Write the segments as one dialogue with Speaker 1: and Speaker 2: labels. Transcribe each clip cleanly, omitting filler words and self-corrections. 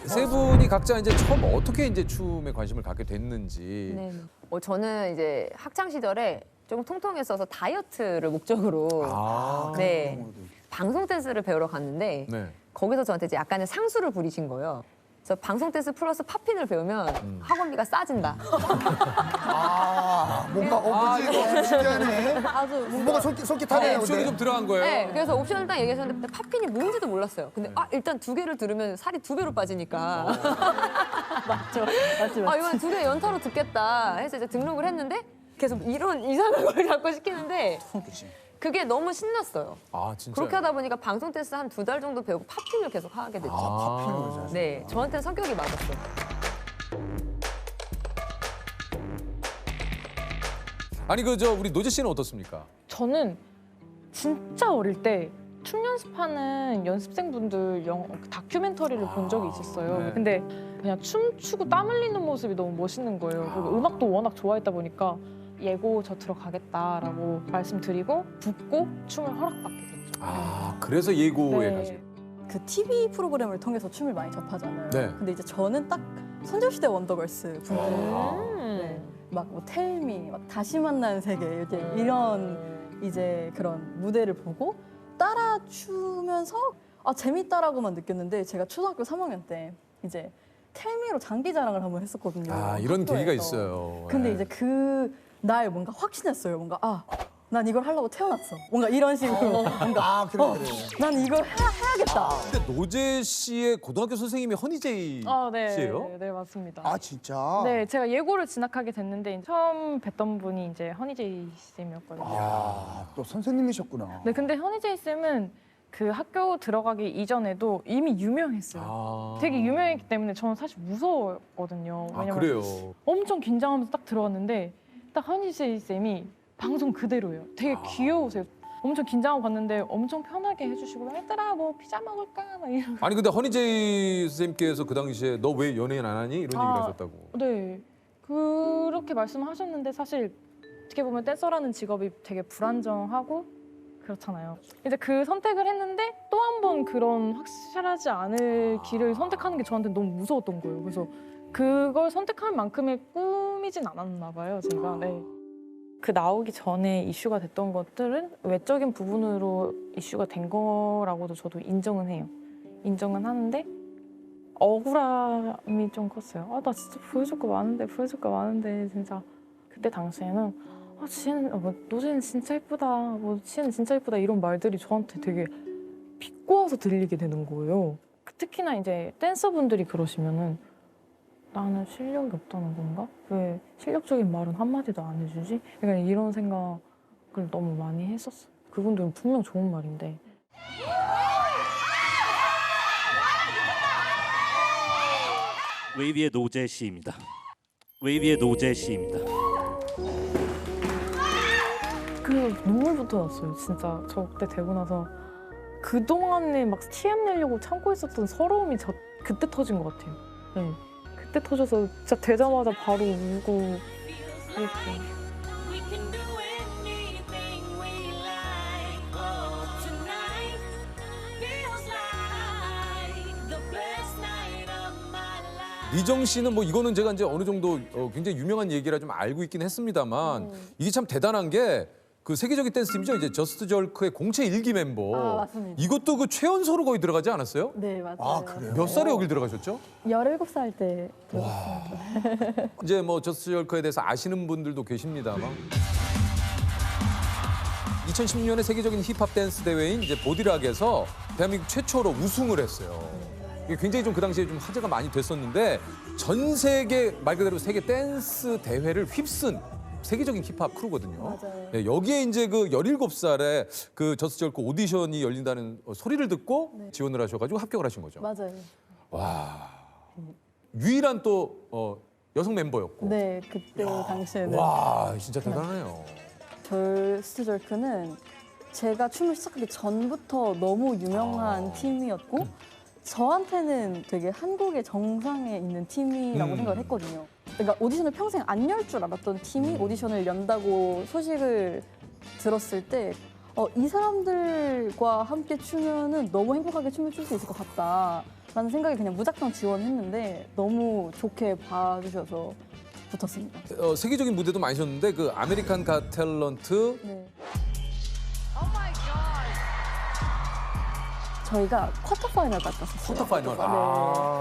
Speaker 1: 세 분이 각자 이제 처음 어떻게 이제 춤에 관심을 갖게 됐는지.
Speaker 2: 네. 저는 이제 학창 시절에 조금 통통했어서 다이어트를 목적으로 네 방송 댄스를 배우러 갔는데
Speaker 1: 네.
Speaker 2: 거기서 저한테 이제 약간의 상수를 부리신 거예요. 그래서 방송 댄스 플러스 팝핀을 배우면 학원비가 싸진다.
Speaker 3: 뭔가 그지? 신기하네.
Speaker 2: 아주
Speaker 3: 뭔가 솔깃하네요.
Speaker 1: 옵션이 좀 들어간 거예요.
Speaker 2: 네, 그래서 옵션을 딱 얘기하셨는데 팝핀이 뭔지도 몰랐어요. 근데 일단 2개를 들으면 살이 2배로 빠지니까. 맞죠. 이건 2개 연타로 듣겠다 해서 이제 등록을 했는데 계속 이런 이상한 걸 자꾸 시키는데 그게 너무 신났어요.
Speaker 1: 아 진짜.
Speaker 2: 그렇게 하다 보니까 방송 댄스 한 2달 정도 배우고 팝핀을 계속 하게 됐죠. 네, 저한테는 성격이 맞았어요.
Speaker 1: 아니 그 저 우리 노재 씨는 어떻습니까?
Speaker 4: 저는 진짜 어릴 때 춤 연습하는 연습생분들 다큐멘터리를 본 적이 있었어요.
Speaker 1: 네.
Speaker 4: 근데 그냥 춤추고 땀 흘리는 모습이 너무 멋있는 거예요. 그리고 음악도 워낙 좋아했다 보니까 예고 저 들어가겠다라고 말씀드리고 붙고 춤을 허락받게 됐죠.
Speaker 1: 아 그래서 예고에
Speaker 4: 네.
Speaker 1: 가시.
Speaker 5: 그 TV 프로그램을 통해서 춤을 많이 접하잖아요.
Speaker 1: 네.
Speaker 5: 근데 이제 저는 딱 소녀시대 원더걸스 분들
Speaker 4: 음.
Speaker 5: 막 뭐 텔미, 막 다시 만나는 세계 이제 이런 이제 그런 무대를 보고 따라 추면서 재밌다라고만 느꼈는데 제가 초등학교 3학년 때 이제 텔미로 장기자랑을 한번 했었거든요.
Speaker 1: 아 이런
Speaker 5: 학교에서.
Speaker 1: 계기가 있어요.
Speaker 5: 근데
Speaker 1: 네.
Speaker 5: 이제 그 날 뭔가 확신했어요. 뭔가 난 이걸 하려고 태어났어. 뭔가 이런 식으로 뭔가
Speaker 3: 그래.
Speaker 5: 난 이걸 해야겠다.
Speaker 1: 근데 노재 씨의 고등학교 선생님이 허니제이
Speaker 4: 네.
Speaker 1: 씨예요?
Speaker 4: 네, 맞습니다.
Speaker 3: 진짜?
Speaker 4: 네, 제가 예고를 진학하게 됐는데 처음 뵀던 분이 이제 허니제이 쌤이었거든요.
Speaker 3: 또 선생님이셨구나.
Speaker 4: 네, 근데 허니제이 쌤은 그 학교 들어가기 이전에도 이미 유명했어요.
Speaker 1: 아.
Speaker 4: 되게 유명했기 때문에 저는 사실 무서웠거든요.
Speaker 1: 아
Speaker 4: 왜냐면
Speaker 1: 그래요.
Speaker 4: 엄청 긴장하면서 딱 들어왔는데 딱 허니제이 쌤이 방송 그대로예요. 되게 귀여우세요. 엄청 긴장하고 갔는데 엄청 편하게 해주시고 얘들아 뭐 피자 먹을까? 막 이런.
Speaker 1: 아니 근데 허니제이 선생님께서 그 당시에 너 왜 연예인 안 하니 이런 얘기를 하셨다고.
Speaker 4: 네, 그렇게 말씀하셨는데 사실 어떻게 보면 댄서라는 직업이 되게 불안정하고 그렇잖아요. 이제 그 선택을 했는데 또 한 번 그런 확실하지 않을 길을 선택하는 게 저한테 너무 무서웠던 거예요. 그래서 그걸 선택한 만큼의 꿈이진 않았나 봐요, 제가. 네. 그 나오기 전에 이슈가 됐던 것들은 외적인 부분으로 이슈가 된 거라고도 저도 인정은 해요. 인정은 하는데 억울함이 좀 컸어요. 나 진짜 보여줄 거 많은데 진짜 그때 당시에는 노재는 진짜 예쁘다, 지혜는 진짜 예쁘다 이런 말들이 저한테 되게 비꼬아서 들리게 되는 거예요. 특히나 이제 댄서분들이 그러시면은 나는 실력이 없다는 건가? 왜 실력적인 말은 한마디도 안 해주지? 약간 이런 생각을 너무 많이 했었어요. 그분들은 분명 좋은 말인데.
Speaker 6: 웨이비의 노재 씨입니다. 웨이비의 노재 씨입니다.
Speaker 4: 그 눈물부터 났어요. 진짜 저 그때 되고 나서 그동안에 막 TM 내려고 참고 있었던 서러움이 그때 터진 것 같아요. 네. 그때 터져서 진짜 되자마자 바로 울고 그랬죠.
Speaker 1: 미정 씨는 뭐 이거는 제가 이제 어느 정도 굉장히 유명한 얘기라 좀 알고 있긴 했습니다만 이게 참 대단한 게 그 세계적인 댄스 팀이죠. 이제 저스트 절크의 공채 1기 멤버.
Speaker 5: 맞습니다.
Speaker 1: 이것도 그 최연소로 거의 들어가지 않았어요?
Speaker 5: 네, 맞아요.
Speaker 3: 그래요?
Speaker 1: 몇 살에 여길 들어가셨죠?
Speaker 5: 17살 때 들었습니다.
Speaker 1: 이제 뭐 저스트 절크에 대해서 아시는 분들도 계십니다만 2016년에 세계적인 힙합 댄스 대회인 이제 보디락에서 대한민국 최초로 우승을 했어요. 이게 굉장히 좀 그 당시에 좀 화제가 많이 됐었는데 전 세계 말 그대로 세계 댄스 대회를 휩쓴 세계적인 힙합 크루거든요.
Speaker 5: 맞아요.
Speaker 1: 네, 여기에 이제 그 17살에 그 저스트 절크 오디션이 열린다는 소리를 듣고 지원을 하셔가지고 합격을 하신 거죠.
Speaker 5: 맞아요.
Speaker 1: 와, 유일한 또 여성 멤버였고.
Speaker 5: 네, 그때 당시에는
Speaker 1: 와, 진짜 대단하네요.
Speaker 5: 저스트절크는 제가 춤을 시작하기 전부터 너무 유명한 팀이었고 저한테는 되게 한국의 정상에 있는 팀이라고 생각을 했거든요. 그러니까 오디션을 평생 안 열 줄 알았던 팀이 오디션을 연다고 소식을 들었을 때 이 사람들과 함께 추면은 너무 행복하게 춤을 출 수 있을 것 같다라는 생각에 그냥 무작정 지원했는데 너무 좋게 봐주셔서 붙었습니다.
Speaker 1: 세계적인 무대도 많이 셨는데 그 아메리칸 갓 탤런트
Speaker 5: 네. 저희가 쿼터 파이널 갔었어요.
Speaker 1: 쿼터 파이널.
Speaker 5: 네.
Speaker 1: 아.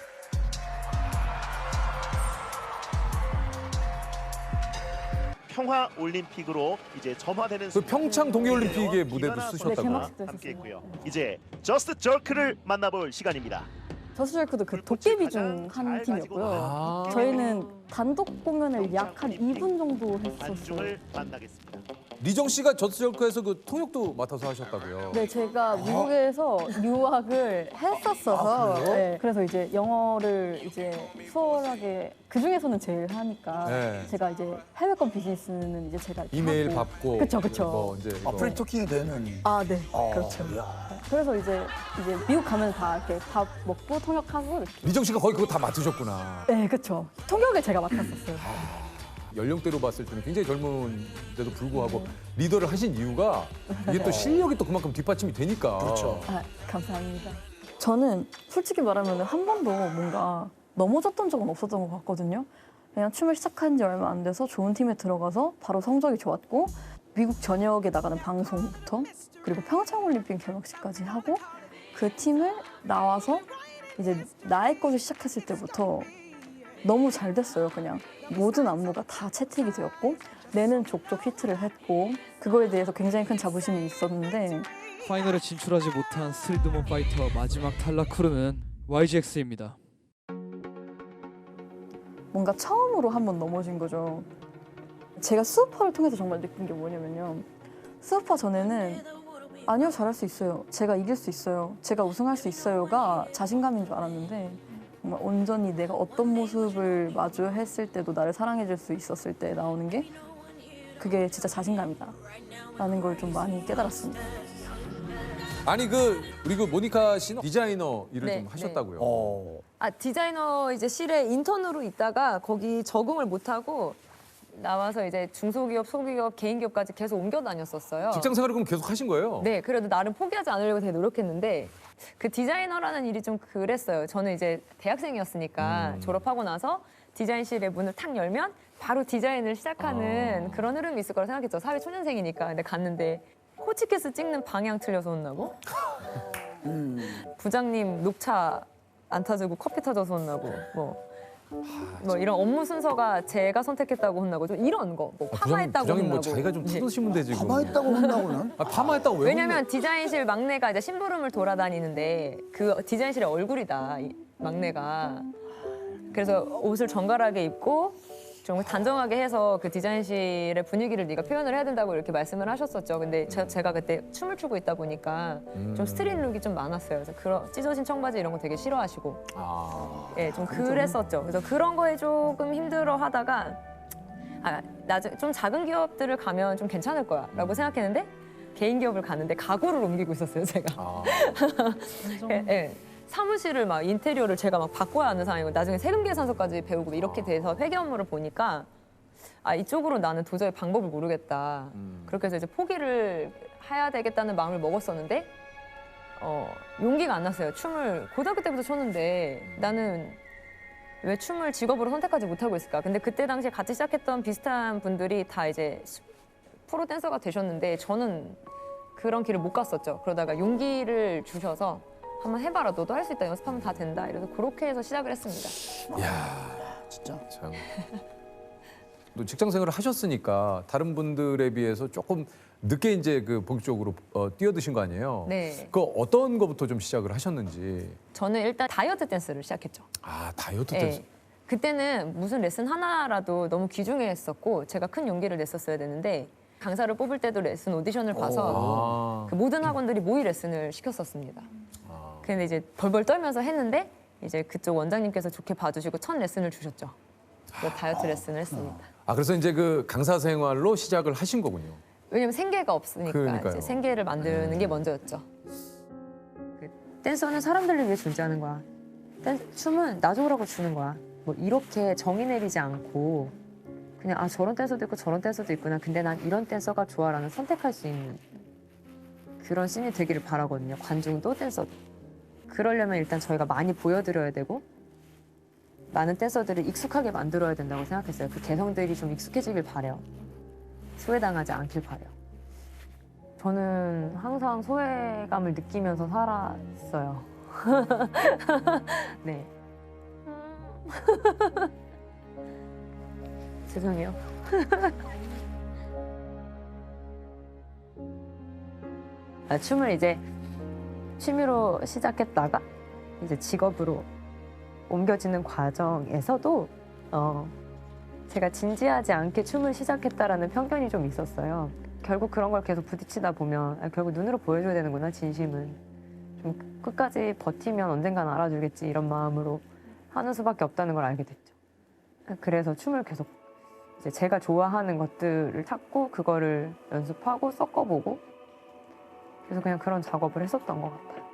Speaker 7: 평화 올림픽으로 이제 점화되는
Speaker 1: 그 평창 동계올림픽의 무대도
Speaker 5: 네,
Speaker 1: 쓰셨다고요?
Speaker 5: 개막식도
Speaker 7: 함께했고요.
Speaker 5: 했었어요.
Speaker 7: 이제 저스트 절크를 만나볼 시간입니다.
Speaker 5: 저스절크도 그 도깨비 중 한
Speaker 7: 잘
Speaker 5: 팀이었고요.
Speaker 1: 아.
Speaker 5: 저희는 단독 공연을 약 한 2분 정도 했었어요.
Speaker 7: 안중을 만나겠습니다.
Speaker 1: 리정 씨가 저스절크에서 그 통역도 맡아서 하셨다고요?
Speaker 5: 네, 제가 미국에서 유학을 했었어서 네, 그래서 이제 영어를 이제 수월하게 그 중에서는 제일 하니까
Speaker 1: 네.
Speaker 5: 제가 이제 해외권 비즈니스는 이제 제가 이렇게
Speaker 1: 이메일
Speaker 5: 하고.
Speaker 1: 받고
Speaker 5: 그쵸, 그쵸.
Speaker 1: 뭐 이제 이거.
Speaker 3: 프리토킹이 되는.
Speaker 5: 아, 네,
Speaker 3: 어,
Speaker 5: 그렇죠.
Speaker 3: 야.
Speaker 5: 그래서 이제 미국 가면 다 이렇게 밥 먹고 통역하고 이렇게.
Speaker 1: 리정 씨가 거의 그거 다 맡으셨구나.
Speaker 5: 네, 그렇죠. 통역을 제가 맡았었어요.
Speaker 1: 연령대로 봤을 때는 굉장히 젊은데도 불구하고 리더를 하신 이유가 이게 또 실력이 또 그만큼 뒷받침이 되니까.
Speaker 3: 그렇죠.
Speaker 5: 아, 감사합니다. 저는 솔직히 말하면 한 번도 뭔가 넘어졌던 적은 없었던 것 같거든요. 그냥 춤을 시작한 지 얼마 안 돼서 좋은 팀에 들어가서 바로 성적이 좋았고 미국 전역에 나가는 방송부터 그리고 평창올림픽 개막식까지 하고 그 팀을 나와서 이제 나의 것을 시작했을 때부터 너무 잘 됐어요. 그냥 모든 안무가 다 채택이 되었고 내는 족족 히트를 했고 그거에 대해서 굉장히 큰 자부심이 있었는데
Speaker 8: 파이널에 진출하지 못한 스틸드몬 파이터 마지막 탈락 크루는 YGX입니다.
Speaker 5: 뭔가 처음으로 한번 넘어진 거죠. 제가 수우파를 통해서 정말 느낀 게 뭐냐면요. 수우파 전에는 아니요, 잘할 수 있어요. 제가 이길 수 있어요. 제가 우승할 수 있어요가 자신감인 줄 알았는데 정말 온전히 내가 어떤 모습을 마주했을 때도 나를 사랑해 줄 수 있었을 때 나오는 게 그게 진짜 자신감이다 라는 걸 좀 많이 깨달았습니다.
Speaker 1: 아니 우리 그 모니카 씨는 디자이너 일을
Speaker 2: 네,
Speaker 1: 좀 하셨다고요?
Speaker 3: 어.
Speaker 2: 아, 디자이너 이제 실에 인턴으로 있다가 거기 적응을 못하고 나와서 이제 중소기업, 소기업, 개인기업까지 계속 옮겨 다녔었어요.
Speaker 1: 직장 생활을 그럼 계속 하신 거예요?
Speaker 2: 네, 그래도 나름 포기하지 않으려고 되게 노력했는데 그 디자이너라는 일이 좀 그랬어요. 저는 이제 대학생이었으니까 졸업하고 나서 디자인실의 문을 탁 열면 바로 디자인을 시작하는 그런 흐름이 있을 거라 생각했죠. 사회 초년생이니까. 근데 갔는데 호치키스 찍는 방향 틀려서 혼나고 부장님 녹차 안 타주고 커피 타줘서 혼나고 뭐 이런 업무 순서가 제가 선택했다고 혼나고 좀 이런 거 뭐 파마했다고
Speaker 1: 부장님 뭐
Speaker 2: 혼나고
Speaker 1: 자기가 좀
Speaker 2: 예.
Speaker 1: 뜯으시면 되지.
Speaker 3: 가만있다고 혼나고는.
Speaker 1: 아, 파마했다고 왜?
Speaker 2: 왜냐면 디자인실 막내가 이제 심부름을 돌아다니는데 그 디자인실의 얼굴이다 이 막내가. 그래서 옷을 정갈하게 입고 좀 단정하게 해서 그 디자인실의 분위기를 네가 표현을 해야 된다고 이렇게 말씀을 하셨었죠. 근데 제가 그때 춤을 추고 있다 보니까 좀 스트릿 룩이 좀 많았어요. 그래서 그런 찢어진 청바지 이런 거 되게 싫어하시고, 예, 좀 그랬었죠. 그래서 그런 거에 조금 힘들어하다가 나중에 좀 작은 기업들을 가면 좀 괜찮을 거야라고 생각했는데 개인 기업을 갔는데 가구를 옮기고 있었어요, 제가. 예, 예. 사무실을 막 인테리어를 제가 막 바꿔야 하는 상황이고 나중에 세금 계산서까지 배우고 이렇게 돼서 회계 업무를 보니까 이쪽으로 나는 도저히 방법을 모르겠다. 그렇게 해서 이제 포기를 해야 되겠다는 마음을 먹었었는데 용기가 안 났어요. 춤을 고등학교 때부터 췄는데 나는 왜 춤을 직업으로 선택하지 못하고 있을까? 근데 그때 당시에 같이 시작했던 비슷한 분들이 다 이제 프로 댄서가 되셨는데 저는 그런 길을 못 갔었죠. 그러다가 용기를 주셔서 한번 해봐라. 너도 할 수 있다. 연습하면 다 된다. 이래서 그렇게 해서 시작을 했습니다.
Speaker 1: 이야,
Speaker 3: 진짜.
Speaker 1: 참. 또 직장 생활을 하셨으니까 다른 분들에 비해서 조금 늦게 이제 그 본격적으로 뛰어드신 거 아니에요?
Speaker 2: 네.
Speaker 1: 그 어떤 거부터 좀 시작을 하셨는지.
Speaker 2: 저는 일단 다이어트 댄스를 시작했죠.
Speaker 1: 아, 다이어트
Speaker 2: 예.
Speaker 1: 댄스.
Speaker 2: 그때는 무슨 레슨 하나라도 너무 귀중했었고 제가 큰 용기를 냈었어야 되는데 강사를 뽑을 때도 레슨 오디션을 봐서
Speaker 1: 아.
Speaker 2: 그 모든 학원들이 모의 레슨을 시켰었습니다. 근데 이제 벌벌 떨면서 했는데 이제 그쪽 원장님께서 좋게 봐주시고 첫 레슨을 주셨죠. 그래서 다이어트 레슨을 했습니다.
Speaker 1: 그래서 이제 그 강사 생활로 시작을 하신 거군요.
Speaker 2: 왜냐면 생계가 없으니까
Speaker 1: 그러니까요.
Speaker 2: 이제 생계를 만드는 게 먼저였죠. 그 댄서는 사람들을 위해 존재하는 거야. 춤은 나 좋으라고 주는 거야. 뭐 이렇게 정의 내리지 않고 그냥 저런 댄서도 있고 저런 댄서도 있구나. 근데 난 이런 댄서가 좋아라는 선택할 수 있는 그런 씬이 되기를 바라거든요. 관중도 댄서도. 그러려면 일단 저희가 많이 보여드려야 되고 많은 댄서들을 익숙하게 만들어야 된다고 생각했어요. 그 개성들이 좀 익숙해지길 바래요. 소외당하지 않길 바래요. 저는 항상 소외감을 느끼면서 살았어요. 네. 죄송해요. 춤을 이제 취미로 시작했다가 이제 직업으로 옮겨지는 과정에서도 제가 진지하지 않게 춤을 시작했다라는 편견이 좀 있었어요. 결국 그런 걸 계속 부딪히다 보면 결국 눈으로 보여줘야 되는구나, 진심은. 좀 끝까지 버티면 언젠간 알아주겠지 이런 마음으로 하는 수밖에 없다는 걸 알게 됐죠. 그래서 춤을 계속 이제 제가 좋아하는 것들을 찾고 그거를 연습하고 섞어보고 그래서 그냥 그런 작업을 했었던 것 같아요.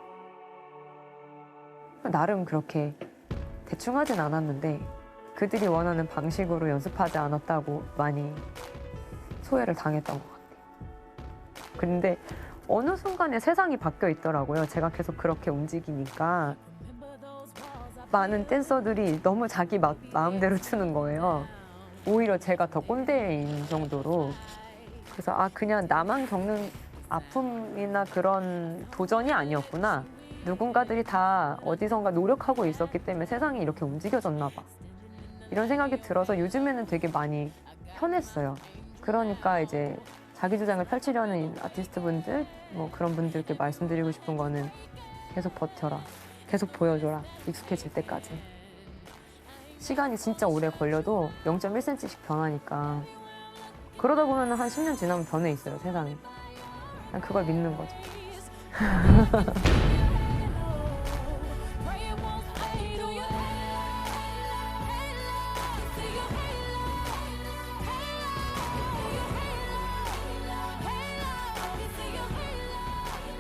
Speaker 2: 나름 그렇게 대충 하진 않았는데 그들이 원하는 방식으로 연습하지 않았다고 많이 소외를 당했던 것 같아요. 근데 어느 순간에 세상이 바뀌어 있더라고요. 제가 계속 그렇게 움직이니까 많은 댄서들이 너무 자기 마음대로 추는 거예요. 오히려 제가 더 꼰대인 정도로. 그래서 그냥 나만 겪는 아픔이나 그런 도전이 아니었구나. 누군가들이 다 어디선가 노력하고 있었기 때문에 세상이 이렇게 움직여졌나 봐. 이런 생각이 들어서 요즘에는 되게 많이 편했어요. 그러니까 이제 자기 주장을 펼치려는 아티스트 분들, 뭐 그런 분들께 말씀드리고 싶은 거는 계속 버텨라. 계속 보여줘라. 익숙해질 때까지. 시간이 진짜 오래 걸려도 0.1cm씩 변하니까. 그러다 보면 한 10년 지나면 변해 있어요, 세상이. 그냥 그걸 믿는 거죠.